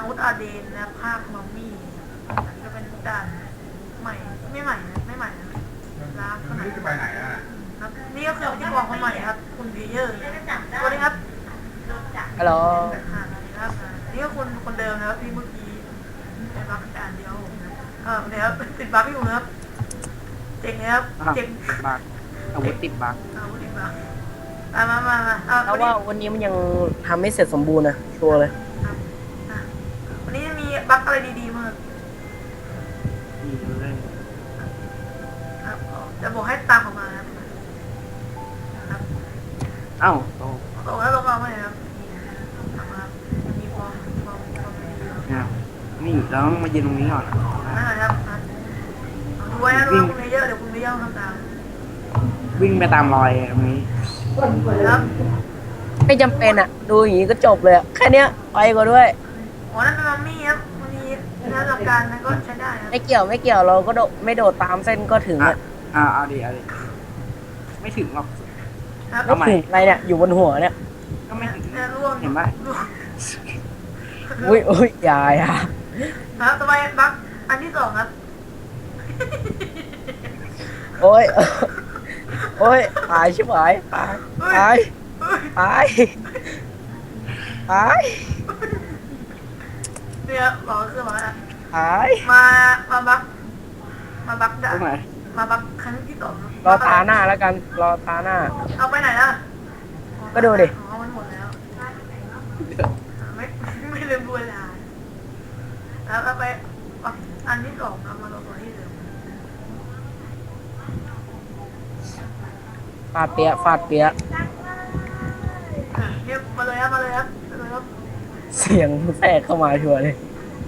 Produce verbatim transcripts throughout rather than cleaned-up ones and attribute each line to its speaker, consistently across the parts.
Speaker 1: มุดอาเดนนะภาคมัมมี่จะเป็นด่านใหม่ไม่ใหม่นะไม่ใหม่นะล้างขนาดจะไปไหนอ่ะครับนี่ก็คือพิธีกรคนใหม่ครับคุณเพเยอร์สวัสดีครับ
Speaker 2: ฮัลโหล
Speaker 1: ครับนี่ก็คุณคนเดิมนะครับที่เมื่อกี้เป็นบัคด่านเดียวนะเออเนี่ยครับติดบัคอยู่นะครับเจ๋งนะครับเจ๋ง
Speaker 2: บักอาวุธติดบัก
Speaker 1: อาวุธติดบัคมามามามาเอา
Speaker 2: แล้วว่าวันนี้มันยังทำไม่เสร็จสมบูรณ์นะชัวร์เลย
Speaker 1: ครับอ่ะวันนี้มีบัคอะไรดีๆมาก
Speaker 2: ดีเลย
Speaker 1: ครับจะบอกให้ตามออกมาครับครับ
Speaker 2: เอ้าโต
Speaker 1: ตรงแล้วลงมาไหมครับนี่ตามมามีความความความดีครับ
Speaker 2: เนี่ยนี่เราต้องมายืนตรงนี้ก่อน
Speaker 1: นั่นแหละครับอ่ะเอาดูไว้นะดูไว้คุณเพเยอร์เดี๋ยวคุณเพเยอร์ทำตาม
Speaker 2: วิ่งไปตามรอยตรงนี้
Speaker 1: ครับ
Speaker 2: ไม่จำเป็นอ่ะ ดูอย่างนี้ก็จบเลยอะแค่เนี้ยไปก็ด้วย
Speaker 1: อ๋อนั่นเป็นมัมมี่ครับมันมีหน้าหลักการนั้นก็ใช้ได้ครับ
Speaker 2: ไม่เกี่ยวไม่เกี่ยวเราก็โดดไม่โดดตามเส้นก็ถึง
Speaker 3: อ่ะ
Speaker 2: อ่ะ
Speaker 3: อ่าเอาดิเอาดิไม่ถึงหรอก
Speaker 1: ครับ
Speaker 2: ไม่ถึงอะไรเนี่ยอยู่บนหัวเนี่ย
Speaker 3: ก็ไม่ถึง
Speaker 1: เนี่ยร่วง
Speaker 3: เห็นปะ
Speaker 1: ร่วง
Speaker 2: อุ้ยอุ้ยอย่าอย่า
Speaker 1: ครับต่อไปบัคอันที่สองครับ
Speaker 2: โอ้ยโอ้ยตายชิบหายตายตาย
Speaker 1: เฮ้ย
Speaker 2: ตายตาย
Speaker 1: เนี่ยบอกคือมาแล้ว
Speaker 2: ตาย
Speaker 1: มามาบัคมาบัค
Speaker 3: ต
Speaker 1: ด่า
Speaker 3: รงไหน
Speaker 1: มาบัคครั้งที่สองครับ
Speaker 2: รอตาหน้าแล้วกันรอตาหน้า
Speaker 1: เอาไปไหนล่ะ
Speaker 2: ก็ดูดิ
Speaker 1: อ๋อมันหมดแล้วไม่ไม่ลืมดูเวลาแล้วเอาไปอันที่สองครับมาลงตัวที่เดิม
Speaker 2: ฟาดเปียะฟาดเปียะ
Speaker 1: อ่ะเรียกมาเลยครับมาเลยครับมาเลยครับ
Speaker 2: เสียงแทรกเข้ามาชัวร์เลย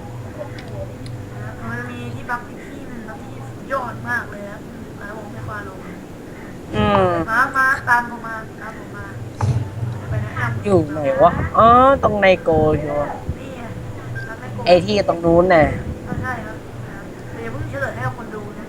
Speaker 1: มันจะมีที่บัฟอีกที่หนึงครับที่สุดยอดมากเลยครับแล้วผมไม่ควาลง
Speaker 2: อืม
Speaker 1: มามาตามผมมาตามผมมาไปแนะนำ
Speaker 2: อยู่ไหนวะอ๋อตรงในโกชัวร์
Speaker 1: นี่ไงรับแม่โก
Speaker 2: ไอที่ตรงนู้นน่ะ
Speaker 1: ก็ใช่ครับแต่อย่าเพิ่งเฉลยให้กับคนดูนะ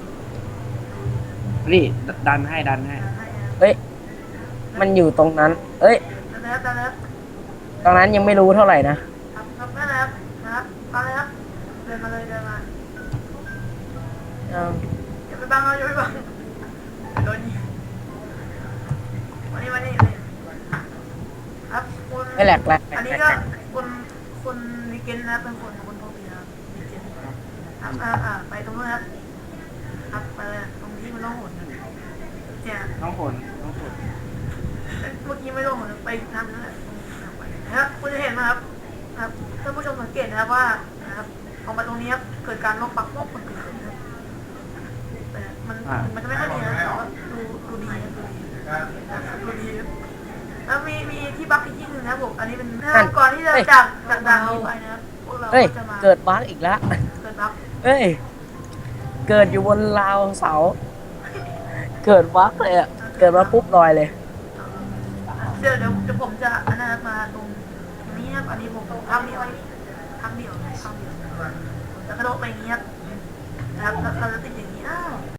Speaker 3: นี่ดันให้ดันให้
Speaker 1: ให้นะ
Speaker 2: เฮ้ยมันอยู่ตรงนั้น เอ้ย
Speaker 1: ตามแล้วตามแล้ว
Speaker 2: ตรงนั้นยังไม่รู้เท่าไหร่นะครับ
Speaker 1: ครับนั่นแหละครับนะครับตามเลยครับเดินมาเลยเดินมา
Speaker 2: เอา
Speaker 1: อย่าไปบังเราอย่าไปบังโดนยิงมานี่มานี่เลยครับคุณ
Speaker 2: ไม่แหลกแหลกแหล
Speaker 1: อัน
Speaker 2: ก
Speaker 1: นี้
Speaker 2: แหล
Speaker 1: ก็
Speaker 2: ก
Speaker 1: คุณคุณวิกเกนนะครับเป็นคนคนโทบีนะครับวิกเกนครับอ่าอ่าไปตรงนู้นครับครับไปเลยตรงที่มันต้องหนเนี่ย
Speaker 3: น้องผลน้องผล
Speaker 1: เมื่อกี้ไม่ต้องหนไปทางนั้นแหละตรงทางไปนะครับคุณจะเห็นไหมครับครับท่านผู้ชมสังเกตนะครับว่านะครับออกมาตรงนี้ครับเกิดการลบปักลบมันเกิดขึ้นนะครับแต่มันมันจะไม่ค่อยดีนะแต่ว่าดูดูดีนะดูดีดูดีครับแล้วมีมีที่บักอีกที่หนึ่งนะครับผมอันนี้เป็นก่อนที่จะจากจากด่านนี้ไปนะครับพวกเรา
Speaker 2: เฮ้ย
Speaker 1: ก็จะมา
Speaker 2: เกิดบั๊กอีกแล้ว
Speaker 1: เกิดบัก
Speaker 2: เฮ้ยเกิดอยู่บนราวเสา เกิดบั๊กเลยอ่ะเกิดมาปุ๊บลอยเลย
Speaker 1: เดี๋ยวเดี๋ยวเดี๋ยวผมจะอันนั้นมาตรงนี้ครับอันนี้ผมทำเดียวทำเดียวทำเดียวจะกระโดดไปอย่างนี้ครับนะครับแล้วเราจะติดอย่างนี้อ้าว